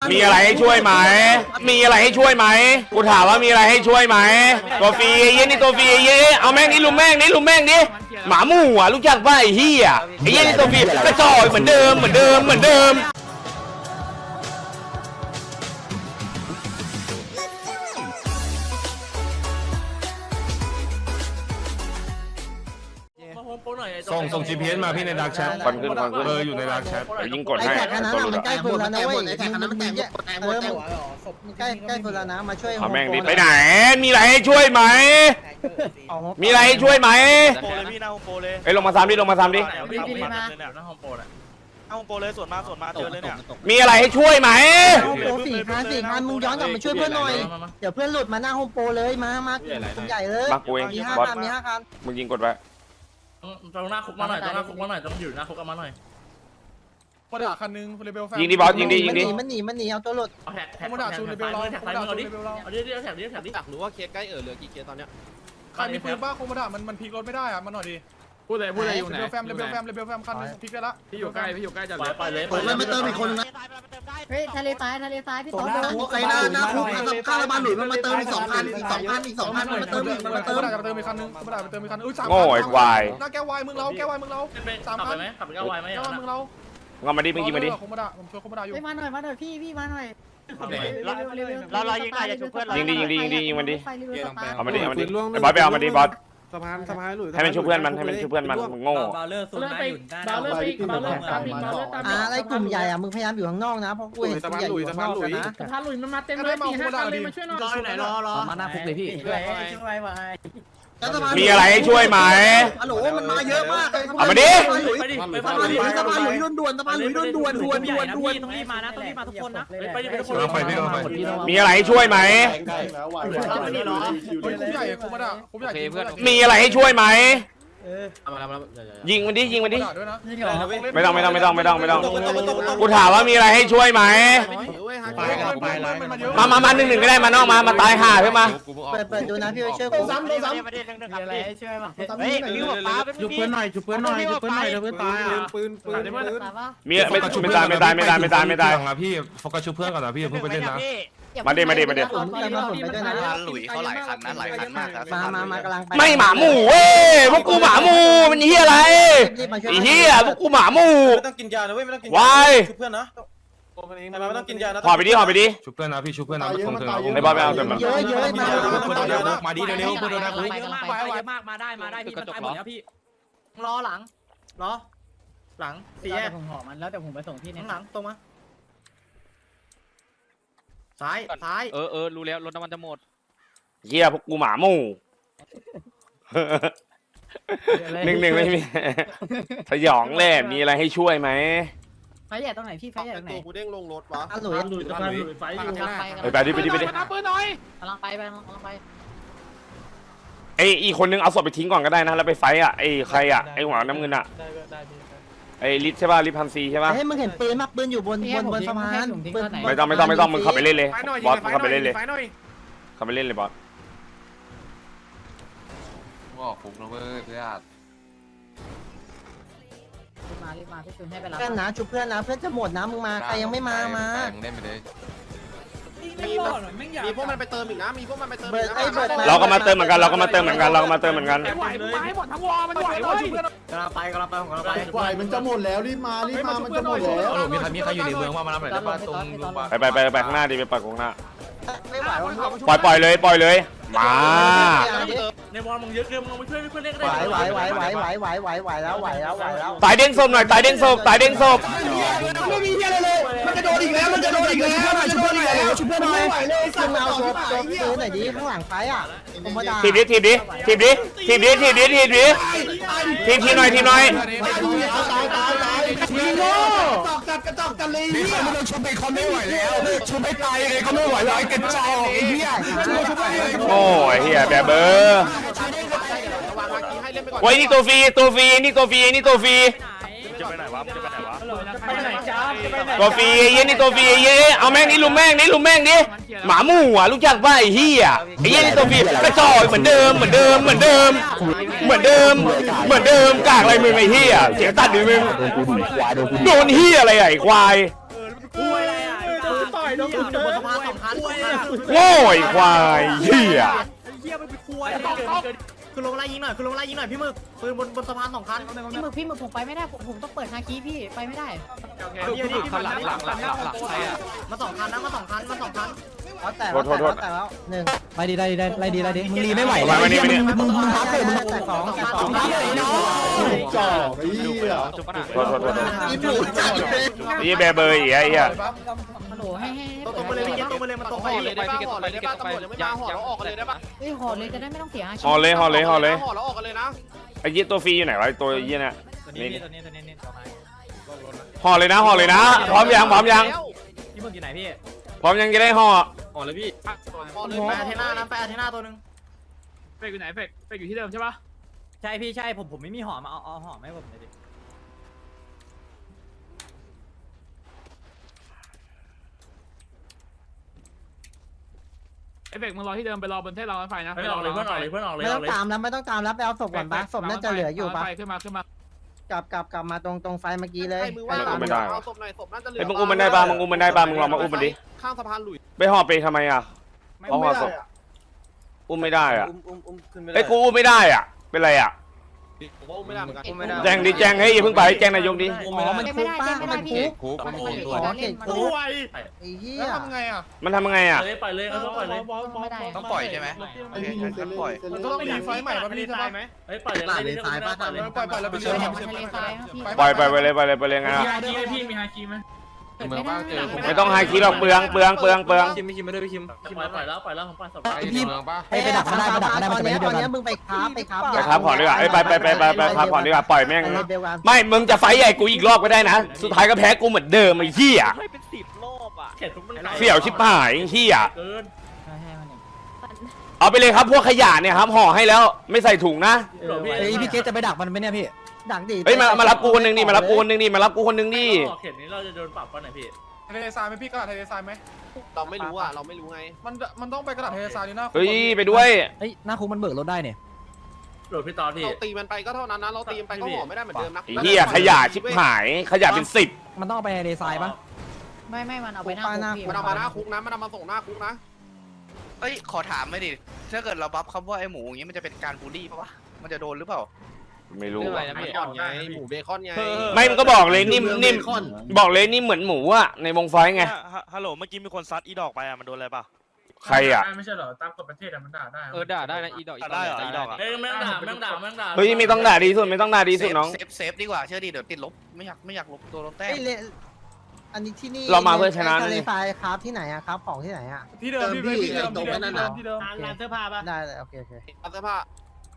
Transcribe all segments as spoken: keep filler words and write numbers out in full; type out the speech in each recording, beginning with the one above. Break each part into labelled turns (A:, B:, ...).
A: มีอะไรให้ช่วยไหมมีอะไรให้ช่วยไหมกูถามว่ามีอะไรให้ช่วยไหมตัวฟรีไอ้เหี้ยนี่ตัวฟรีไอ้เหี้ยเอาแม่งนี่ลุมแม่งนี่ลุมแม่งนี่หมาหมู่อ่ะรู้จักป่ะไอ้เหี้ยไอ้เหี้ยนี่ตัวฟรีกระจอกเหมือนเดิมเหมือนเดิมเหมือนเดิม
B: ส่งส่ง จี พี เอส มาพี่ในดาร์กแชท
A: ควันขึ้นควันขึ้น
B: เบอร์อยู่ในดาร์กแชท
A: เดี๋ยวยิงกด
C: ไอ้
A: ให้
C: แท็กอันนั้น
A: ตัวหลุด
C: มันใกล้
A: อะ
C: คนแล้วนะเว้ย
D: ไอ้แท็กอันนั้นมันแตกหมดแตกหมดแตกหมด
C: ใกล้ใกล้คนแล้วนะมาช่วย
A: เอาแม่งดิไปไหนมีอะไรให้ช่วยไหมมีอะไรให้ช่วยไหม
E: โปรเลยพี่หน้าโฮมโปรเลย
A: ไอ้ยลงมาซ้ำดิลงมาซ้ำดิ
E: พี่พี่มาหน้าโฮมโปรเลยหน้าโฮมโปรเลยส่วนมาส่วนมาเจอเลยเนี่ย
A: มีอะไรให้ช่วยไหม
C: โฮมโปรสี่พันสี่พันมึงย้อนกลับมาช่วยเพื่อนหน่อยเดี๋ยวเพื่อนหลุดมาหน้าโฮมโปรเลยมามากลุ่มใหญ่เลย
A: บักกูเอง
C: มีห้า
A: บอส
C: คันมีห้าคัน
A: มึงยิงกดไว้
F: ตรงหน้าคุกมาหน่อยตรงหน้าคุกมาหน่อยต้องอยู่หน้าคุกมาหน่อย
B: โมดาคันนึงเรเบลแฟน
A: ยิงดิบอสยิงดิยิงดิ
C: มันหนีมันหนีเอาตัวหลุด
F: เอาแท็กแท็กแท็กแท็กซ้ายมือเอาดิเอาดิเอาแท็กดิแท็กดิ
D: อยากรู้ว่าเคสใกล้เออเหลือกี่เคสตอนเนี้ย
B: ใครมีปืนบ้าโคมดามันมันพลิกรถไม่ได้อะมันหน่อยดิ
F: พูดเลยพูดเลยอยู่ไหน
B: เรเบลแฟมเรเบลแฟมเรเบลแฟมคันนึงพลิกได้ละ
F: พี่อยู่ใกล้พี่อยู่ใกล้จัดเลยไปเลย
D: ผมเลยมาเติมอีกคนนึงนะ
G: เฮ้ยทะเลทรายทะเลทรายพี่ต๊อบ
D: ไอ้หน้าหน้าคุกข้าวระบาดหลุยมันมาเติมอีกสองพันอีกสองพันอีกสองพันมันมาเติมอีกมันมา
B: เติ
D: เติ
B: ม
D: ม
B: จะเติมอีกคันนึงโคมดาไปเติมอีกคันนึงอุ้ยสาม
A: โง่ไอ้ควาย
B: หน้าแก้ววายมึงเราแก้ววายมึงเรา
F: สามขับไปไหมขับไปก้าวไวไหม
B: แก้ววายมึงเรา
A: งอมาดิมึงยิงมาดิ
B: โคมดาผมช่วยโคมดาอยู่
G: เฮ้ยมาหน่อยมาหน่อยพี่พี่มาหน่อย
E: เราเรายิงได้จะชุบเพื่อนเรา
A: ยิงดิยิงดิยิงดิยิงมันดิ
G: ไฟเรือสตาร์
A: เอามาดิเอามาดิไอ้บอสไปเอามาดิบอส
D: สะพานสะพานหลุย
A: ให้มันช่วยเพื่อนมันให้มันช่วยเพื่อนมันมึงโง่
F: บาเลอร์ซูนได้อยู่บาเลอร์ไปบาเลอร์ตามอีกบาเลอร์ตาม
C: อ่าอะไรกลุ่มใหญ่อะมึงพยายามอยู่ข้างนอกนะเพราะกูเห็นกลุ่มใหญ่อยู่ข้างนอกกันนะ
F: สะพานหลุยมันมาเต็มเลยสี่ห้าคันเลยมาช่วยหน่อยรออยู่ไหนรอรอ
G: มาหน้าคุกเลยพี่ช่วยช่วยไว้
A: มีอะไรให้ช่วยไหม
D: ฮัลโหลมันมาเยอะมากเลย
A: เอามาดิ
F: ไปดิไป
D: สะพานหลุยสะพานหลุยด่วนๆสะพานหลุยด่วนๆด่วนๆด่วนๆด่วน
F: ต้องรีบมานะต้องรีบมาทุกคนนะไปดิไปทุกคน
A: มีอะไรให้ช่วยไหม
B: เฮ้ยคุกใหญ่คุกมาดาคุกใหญ่เพื่อน
A: มีอะไรให้ช่วยไหม
F: เอามาแล้วมาแล้ว
A: ยิงมันดิยิงมันดิ
B: ด้วยนะ
A: ไม่ต้องไม่ต้องไม่ต้องไม่ต้องไม่ต้องกูถามว่ามีอะไรให้ช่วยไหม
B: ไปกันไปแล้วมันมาเยอะ
A: มามามาหนึ่งหนึ่งก็ได้มานอกมามาตายห่าเพื่อมา
C: เปิดเปิดดูนะพี่ไปช่วยกู
E: ซ้ำซ้ำประเด็นหนึ่งครับพี่
G: ช่วยมา
E: เฮ้ยยิงหัวฟ้าเป็น
D: จุบเพื่อนหน่อยจุบเพื่อนหน่อยจุบเพื่อนหน่อยเดี๋ยวเพื่อนตายอ่ะปืนปืนปืน
A: มีไม่ไม่ตายไม่ตายไม่ตายไม่ตายไม่ตาย
B: นะพี่โฟกัสชุบเพื่อนก่อนนะพี่เพิ่งไปเล่นนะ
A: มาดิมาดิมาดิ
C: ผมจะมาผมไปด้วยนะ
E: หลุยเขาหลายคันนะหลายคันมากครับ
C: มามามากำลังไป
A: ไม่หมาหมูเว้ยพวกกูหมาหมูมันเฮียอะไรไอ้เฮียพวกกูหมาหมู
D: ไม่ต้องกินยานะเว้ยไม่ต้องกิน
A: วาย
D: ชุบเพื่อนนะไม่ต้องกินยานะ
A: หอไปดิหอไปดิ
B: ชุบเพื่อนนะพี่ชุบเพื่อนนะตรงเธอ
A: ไอ้บอลไม่เอาเต็ม
C: เยอะเยอะมา
B: มาดิเร็วๆเพื่อนโดนนะ
F: เยอะมากเยอะมากมาได้มาได้พี่มันตายหมดแล้วพี่รอหลังรอหลังสี่แยก
G: ผมหอมันแล้วแต่ผมไปส่งที่เนี่ย
F: หลังตรงมาซ้ายซ้าย
E: เออเออรู้แล้วรถน้ำมันจะหมด
A: เฮียพวกกูหมาหมูหนึ่งหนึ่งไม่มีสยองแหละมีอะไรให้ช่วยไหม
G: ไฟใหญ่ตรงไหนพี่ไฟใหญ่ตรงไหน
D: ตัวกูเด้งลงรถวะ
C: อ่ะหลุย
F: หลุยสะพานหลุยไฟอยู่
G: กำลังไป
A: ไปไปดิไปดิไปดิ
G: กำลังไปกำลังไปกำลังไป
A: ไอ้อีคนนึงเอาศพไปทิ้งก่อนก็ได้นะแล้วไปไฟอ่ะไอ้ใครอ่ะไอ้หัวน้ำเงินอ่ะไอ้ลิศใช่ป่ะลิศพันซีใช่ป่ะ
C: เฮ้ยมึงเห็นปืนมาปืนอยู่บนบนบนสะพานปืน
A: ไม่ต้องไม่ต้องไม่ต้องมึงขับไปเล่นเลยบอสขับไปเล่นเลยขับไปเล่นเลยบอส
H: ว่าคุ้มนะเว้ยเพื่อน
G: รีบมารีบมาพี่ชุนให้ไปรับ
C: เพื่อนนะชุบเพื่อนนะเพื่อนจะหมดนะมึงมาใครยังไม่มามา
H: เล่นไปเลย
D: มีมีพวกมันไปเติมอีกนะมีพวกมันไปเติม
C: เบิร์ดไอ้เบิร์ดมา
A: เราก็มาเติมเหมือนกันเราก็มาเติมเหมือนกันเราก็มาเติมเหมือนกัน
F: ไหวไหวหมดทั้งวอมันไหวเว้ย
D: กำลังไปกำลังไปกำลังไป
I: ไหวมันจะหมดแล้วรีบมารีบมามันจะหมดแล้ว
B: มีใครมีใครอยู่ในเมืองว่ามารับหน่อยได้ป่ะตรงโรงพยาบาล
A: ไปไปไปไปข้างหน้าดิไปปักข้างหน้า
C: ไม่ไหววะ
A: ปล่อยปล่อยเลยปล่อยเลยมา
F: ในวอลมึงเยอะเกินมึงไปช่วยเพื่อนเล่นก็
C: ไหว
F: ได้
C: ไหวไหวไหวไหวไหวไหวไหวแล้วไหวแล้วไหวแล้ว
A: ตายเด้งศพหน่อยตายเด้งศพตายเด้งศพ
I: ไม่มีอะไรเลยมันจะโดนอีกแล้วมันจะโดนอีกแล้วมันจะโดนอีกแล้วชุบเพื่อนหน่อย
C: มึงเอาโชว์โชว์ปืนหน่อยดิข้างหลังไฟอ่ะผมมาด่า
A: ทีบดิทีบดิทีบดิทีบดิทีบดิทีบดิทีบทีหน่อยทีหน่อย
I: ตายตายตายทีโง่ตอกจัดกระจอกจันเลยนี่ไม่ต้องชุบไปเขาไม่ไหวแล้วชุบไปตายเลยเขาไม่ไหวแล้วไอ้กระจอกไอ้เหี้ยชุบไป
A: โอ้ยเฮียแบบเบอร์โอ้ยนี่ตัวฟรีตัวฟรีนี่ตัวฟรีนี่ตัวฟรี
E: จะไปไหนวะจะไปไหนวะ
F: ไปไหนจ้าจะไปไหน
A: ตัวฟรีไอ้เหี้ยนี่ตัวฟรีไอ้เหี้ยเอาแม่งนี่ลุมแม่งนี่ลุมแม่งดิหมาหมู่อ่ะรู้จักป่ะไอ้เหี้ยไอ้เหี้ยนี่ตัวฟรีกระจอกเหมือนเดิมเหมือนเดิมเหมือนเดิมเหมือนเดิมเหมือนเดิมกากอะไรมึงไอ้เหี้ยเสียงตัดดิมึงโดนเหี้ยอะไรไอ้ควาย
F: คุยอะไรอ่ะต่อยโดนอยู่บนสะพานสองคัน
A: โง่ไอ้ควายเหี้ย
F: เหี้ยมันไปคุยคือลงไล่ยิงหน่อยคือลงไล่ยิงหน่อยพี่มึกปืนบนบนสะพานสองคัน
G: พี่มึกพี่มึกผมไปไม่ได้ผมผมต้องเปิดฮาคีพี่ไปไม่ได้
F: พี่มึกคันหลังหลังหลังหลังหลังใครอ่ะมาสองคันนะมาสองคันมาสองคัน
C: เอาแต่แล้วแต่แล้วแต่แล้วหนึ่ง
I: ไล่ดีไล่ดีไล่ดีไล่ดีมึงรีไม่ไหว
A: มาวันนี้วันนี้
I: มึงมึงพักเลยมึง
C: แต่สองแต่ส
F: ส
C: อ
F: อง งคันเลยเนาะ
B: จ่อไอ้เหี้ย
A: โทษโทษโทษ
D: อีผูจัดเลย
A: ไอ้เหี้ยแบร์เบอร์อีกไอ้เหี้ย
G: ฮัลโหลให้ให้
F: ตรงตรงไปเลยพี่เกตตรงไปเลยมันตรงไป
E: เลยได้ป่ะห่อเลยได้ป่ะตำรวจยังไม่มาห่อแล้วออกกันเลยได้ป่ะ
G: เฮ้ยห่อเลยจะได้ไม่ต้องเสียฮาคี
A: ห่อเลยห่อเลยห่อเลย
E: ห่อแล้วออกกันเลยนะ
A: ไอ้เหี้ยตัวฟรีอยู่ไหนวะไอ้ตัวเหี้ยเนี่ย
F: ตัวนี้ตัวนี้ตัวนี้ตัวนี้
A: ห่อเลยนะห่อเลยนะพร้อมยังพร้อมยัง
F: พี่มึกอยู่ไหนพี่
A: พร้อมยังจะได้ห่อ
E: ห่อเลยพี่ห่อเลย
F: ไปอาเทน่านะไปอาเทน่าตัวนึง
E: เฟกอยู่ไหนเฟกเฟกอยู่ที่เดิมใช่ป่ะ
F: ใช่พี่ใช่ผมผมไม่มีห่อมาเอาเอาห่อให้ผมหน่อยดิ
E: เอฟเฟกมึงรอที่เดิมไปรอบนเทศรางรถไฟนะ
F: เพื่อนออกเลยเพื่อนออกเลยเพื่อนออกเลย
C: ไม่ต้องตามแล้วไม่ต้องตามแล้วไปเอาศพก่อนปะศพน่าจะเหลืออยู่ปะ
E: ขึ้นมาขึ้นมาก
C: ลับกลับกลับมาตรงตรงไฟเมื่อกี้เลย
A: ไม่อุ้มไม่ได้
E: เอาศพหน่อยศพน่าจะเหลื
A: ไอ้ยมึงอุ้มมันได้ป่ะมึงอุ้มมันได้ป่ะมึงลองมาอุ้มมันดิ
E: ข้างสะพานหลุย
A: ไปห่อไปทำไมอ่ะเอาห่อศพอุ้มไม่ได้อ่ะ
E: อุ้มอุ้มอุ้มขึ้นไม่ได้
A: ไอ้ยกูอุ้มไม่ได้อ่ะเป็นไรอ่ะ
E: ผมว่าอุ้มไม่ได้เหมือนกันอุ้มไม่ได้
A: แจ้งดิแจ้งให้ยอย่าเพิ่งไปแจ้งนายกดิ
C: อ๋อมันคุกป้ามันคุก
H: คุกมันคุก
C: อ๋อเขตคุก
E: ไว
C: ไอ้เหี้ย
B: แล้วทำไงอ่ะ
A: มันทำยังไงอ่ะ
F: เลยปล่อยเลยเขาปล่อยเลย
G: ไม่ได้
H: ต้องปล่อยใช่ไหมโอเคงั้นปล่อย
B: มันก็ต้องมีไฟใหม่มาพี่ใช่ไหม
F: เฮ้ยปล่อยเลย
D: หลานในสายป้าตาเลย
B: ปล่อยปล่อยแล้วไปเชื่อม
G: ทะเลทรายครับพี่
A: ปล่อยไปไปเลยไปเลยไปเลยไงอ่ะ
E: พี่มีฮาคีไหม
H: เมืองบ้างเจอ
A: ไม่ต้องให้คิดหรอกเปลืองเปลืองเปลืองเปลือง
E: คิมไม่คิมไม่ได้พี่คิม
F: ปล่อยปล่อยแล้วปล่อยแล้วผมปล่อยศพ
H: ไอ้ที่เมืองป่ะ
C: ไปไปดักมันได้ไปดักมันได้มันจะไปที่เดียวกันตอนนี้มึงไปคราฟไปคราฟ
A: ไปครับผ่อนดีกว่าไอ้ยไปไปไปไปไปครับผ่อนดีกว่าปล่อยแม่ง
C: ไปเลยเดียวกัน
A: ไม่มึงจะไฟท์ใหญ่กูอีกรอบก็ได้นะสุดท้ายก็แพ้กูเหมือนเดิมไอ้เหี้ย
F: ให้เป็นสิบรอบอ่ะเขตทุกมัน
A: เสี่ยวชิบหายไอ้เหี้ย
F: เกิน
G: ให้ให้มันอีก
A: เอาไปเลยครับพวกขยะเนี่ยครับห่อให้แล้วไม่ใส่ถุงนะ
I: ไอ้พี่เกตจะไปดักมันไหมเนี่ยพี่
C: ดักดิ
A: เฮ้ยมามารับกูคนหนึงดิมารับกูคนหนึงดิมารับกูคนหนึงดิ
F: เขตนี้เราจะโดนปรับป่ะไหนพี่
B: ทะเลทรายไหมพี่กระดาษทะเลทรายไหม
E: เราไม่รู้อ่ะเราไม่รู้ไง
B: มันมันต้องไปกระดาษทะเลทรายนี่นะ
A: เฮ้ยไปด้วย
I: เฮ้ยหน้าคุกมันเบิกรถได้เนี่ย
F: โหลดพี่ตอนพี่
E: เราตีมันไปก็เท่านั้นนะเราตีมันไปก็ห่อไม่ได้เหมือนเดิมนะ
A: ไอ้เหี้ยขยะชิบหายขยะเป็นสิบ
I: มันต้องเอาไปในทรายปะ
G: ไม่ไม่มันเอาไปหน้าคุกพี่
E: มันเอามาหน้าคุกนะมันเอามาส่งหน้าคุกนะ
H: เอ้ยขอถามไม่ดิถ้าเกิดเราบัฟคำว่าไอ้หมูอย่างงี้มันจะเป็นการบูลลี่ปะวะมันจะโดนหรือเปล่า
A: ไม่รู้
E: อะไรนะเบคอนไงหมูเบคอนไง
A: ไม่มันก็บอกเลยนิ่มนิ่มบอกเลยนี่เหมือนหมูอะในวงไฟไง
E: ฮัลโหลเมื่อกี้มีคนซัดอีดอกไปอ่ะมันโดนอะไรป่ะ
A: ใครอะ
F: ไม่ใช่เหรอตามกฎประเทศมันด่าได้
E: เออด่าได้นะอีดอกได้เหรออีดอกอ่ะ
F: เฮ้ยแม่งด่าแม่งด่าแม่งด่า
A: เฮ้ยไม่ต้องด่าดีสุดไม่ต้องด่าดีสุดน้อง
H: เซฟเซฟดีกว่าเชื่อดิเดี๋ยวติดลบไม่อยากไม่อยากลบตัวลบแต้ม
C: ไอ้เลอันนี้ที่นี่
A: เรามาเพื่อชนะ
C: ทะเลทรายคราฟที่ไหนอะคราฟของที่ไหนอะ
B: ที่เดิมพี่ที่เดิมที่เดิมที่เดิมที่เดิม
F: ร้านเสื้อผ้าป่ะ
C: ได้เลยโอเคโอเค
E: เอาเสื้อผ้า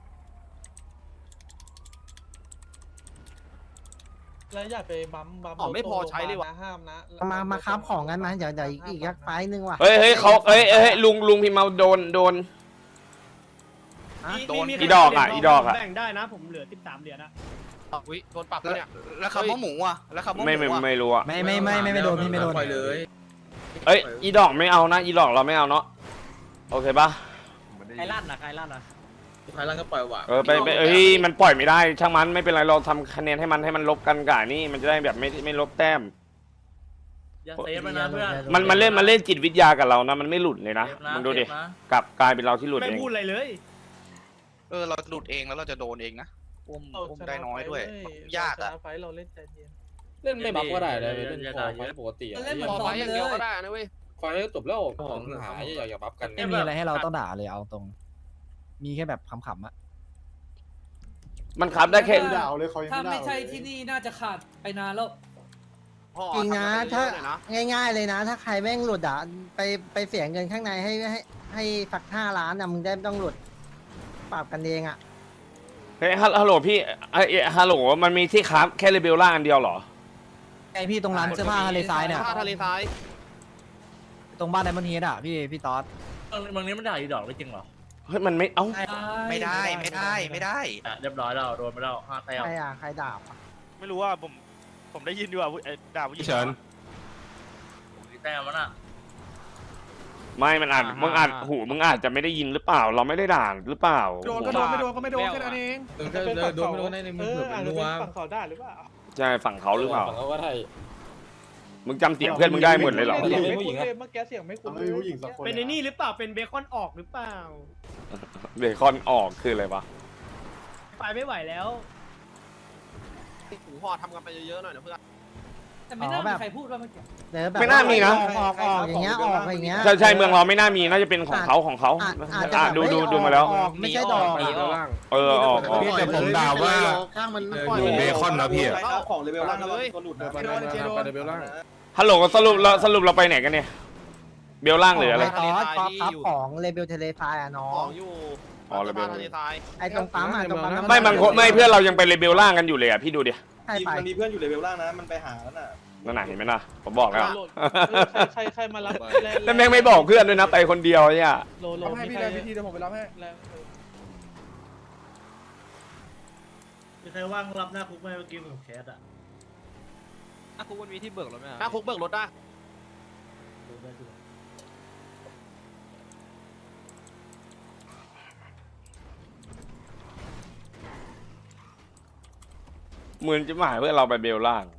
B: แล้วอย่าไปบัมบัม
E: อ๋อไม่พอใช้เลยวะ
B: ห้ามนะ
C: มามาคราฟของกันมาเดี๋ยวเดี๋ยวอีกอีกสักไฟล์หนึงว่ะ
A: เฮ้ยเฮ้ยเขาเฮ้ยเฮ้ยลุงลุงพิมพ์มาโดนโดน
H: โดน
A: อีดอกอ่ะอีดอกอ่ะ
F: แบ่งได้นะผมเหลือสิบสามเหรียญนะ
E: อุ้ยโดนปรับแล้วเนี่ย
H: แล้วคำว่าหมูอ่ะแล้วคำว่าห
A: ไม่
H: มู
A: ไม่
H: อ่ะ
A: ไม่รู้อะ
I: ไม่ไม่ไม่ไม่ไม่โดนพี่ไม่โดน
A: เอ้ยอีดอกไม่เอานะอีดอกเราไม่เอาเนาะโอเคปะ
F: ใครลั่นนะใครลั่นนะ
E: ใครร่างก็ปล่อยว่ะ
A: เออไปไปเอ้ยมันปล่อยไม่ได้ช่างมันไม่เป็นไรเราทำคะแนนให้มันให้มันลบกันก่านี่มันจะได้แบบไม่ไม่ลบแต้ม
F: อย่าเซฟมันนะเพื่อน
A: มันมันเล่นมันเล่นจิตวิทยากับเรานะมันไม่หลุดเลยนะ
F: เซฟนะ
A: มึงดูดิ
F: เซฟนะ
A: กลับกลายเป็นเราที่หลุด
F: ไม่
A: เอง
F: พูดอะไรเลย
H: เออเราหลุดเองแล้วเราจะโดนเองนะอุ้มอุ้มได้น้อยด้วยยากอ่ะ
B: ไฟเราเล่นใจเย็น
F: เล่นไม่บักก็ได้เลยเล่นคอไฟปกติ
E: เล่นพอไฟอย่างเดียวก็ได้นะเว้ย
F: ไฟจบแล้วของหายอย่าอย่าบัฟกัน
I: ไม่มีอะไรให้เราต้องด่าเลยเอาตรง มีแค่แบบขำๆอะ
A: มันขับได้แค่
B: ด่าเลยเขายัง
J: ถ้า
B: ไม่
J: ไม่ใช่ที่นี่น่าจะขาดไปนานแล้ว
C: จริงนะถ้าง่ายๆเลยนะ ถ้าใครแม่งหลุดอ่ะไปไปเสียเงินข้างในให้ให้ให้สักห้าล้านอ่ะมึงได้ไม่ต้องหลุดปรับกันเองอ่ะ
A: เฮ้ยฮัลฮัลโหลพี่เอ้ยฮัลโหลมันมีที่ครับแค่เรเบลล่าอันเดียวเหรอ
I: ไอพี่ตรงร้านเสื้อผ้าทะเลทรายเนี่ย
E: ผ้าทะเลทราย
I: ตรงบ้านไดมอนด์เฮดอะพี่พี่ต๊อด
F: บางนี้มันด่าอีดอกไม่จริงหรอ
A: เฮ้ยมันไม่เอ้า
H: ไม่ได้ไม่ได้ไม่ได้
F: เรียบร้อยแล้วโดนไปแล้วห้าแต้ม
C: ใครอ่ะใครด่าอ่ะ
E: ไม่รู้ว่าผมผมได้ยินดีว่าด่าผู้หญิง
H: เฉิน
F: แต้มมันอ่ะ
A: ไม่มันอาจมึงอาจหูมึงอาจจะไม่ได้ยินหรือเปล่า เราไม่ได้ด่าหรือเปล่า
B: โดนก็โดนไม่โดนก็ไม่โดนแค่นั้นเอง
E: โดนไม่โดนในมือเผื่อมันนัว
B: ฝั่งเขาได้หรือเปล่า
A: ใช่ฝั่งเขาหรือเปล่า
F: ฝั่งเขาก็ได้
A: มึงจำเสียงเพื่อนมึงได้หมดเลยเหรอ
B: เสียงไม่คุ้นเลย
E: เมื่อกี้เสียงไม่คุ้น
B: ไม่ผู้หญิงสักคน
F: เป็นไอ้นี่หรือเปล่าเป็นเบคอนออกหรือเปล่า
A: เบคอนออกคืออะไรวะ
F: ไปไม่ไหวแล้ว
B: หูห่อทำกันไปเยอะๆหน่อยนะเพื่อน
J: แต่ไม่น่ามีใครพูดว่าเมื่อกี้
C: เดี๋ยวแบบ
A: ไม่น่ามีนะ
C: ออกออกอย่างเงี้ยออกอย่างเงี้ย
A: ใช่ใช่เมืองเราไม่น่ามีน่าจะเป็นของเขาของเขา
C: อาจอาจจะ
A: อ่ะ
C: แบบ
A: ดูดู
C: เฮ้ย
A: ดูมาแล้ว
C: ออกไม่ใช่ดอก
A: เออออกออก
I: แต่ผมด่าว่า
D: ข้างมัน
I: หมูเบคอนนะพี่อะ
B: เอาของเลเวลล่างเลยก็หลุดเลยไปเลเวลล่าง
A: ฮัลโหลสรุปเราสรุปเราไปไหนกันเนี่ยเบลล่างหรืออะไร
C: ตอสป๊อปครับของเลเบลเทเลฟายอะน้อ
B: ของ งอยู่
A: อ๋อเลเวล
C: ไอ้ตรงปั๊มอะตรงปั๊มน้ำน
A: ไม่บางคนไม่เพื่อนเรายังไปเลเบลล่างกันอยู่เลยอ่ะพี่ดูดิ
C: ใช่ไป
B: มันมีเพื่อนอยู่เลเวลล่างนะมันไปหาแล้วน่ะ
A: นั่นน่ะเห็นไหมนะผมบอกแล้ว
E: ใครใครมารับ
A: แล้วแม่งไม่บอกเพื่อนด้วยนะไปคนเดียวเนี่ย
E: โลโล
B: รับให้พี่เลยพี่ทีเดี๋ยวผมไปรับให้
F: มีใครว่างรับหน้าคุกไหมเมื่อกี้ผมแคสอะ
E: อ่ะคุณวันมีที่เบิกรถไหม
B: หน้าคุกเบิกรถได้
A: เหมือนจะหมายเพื่อนเราไปเบลล่าง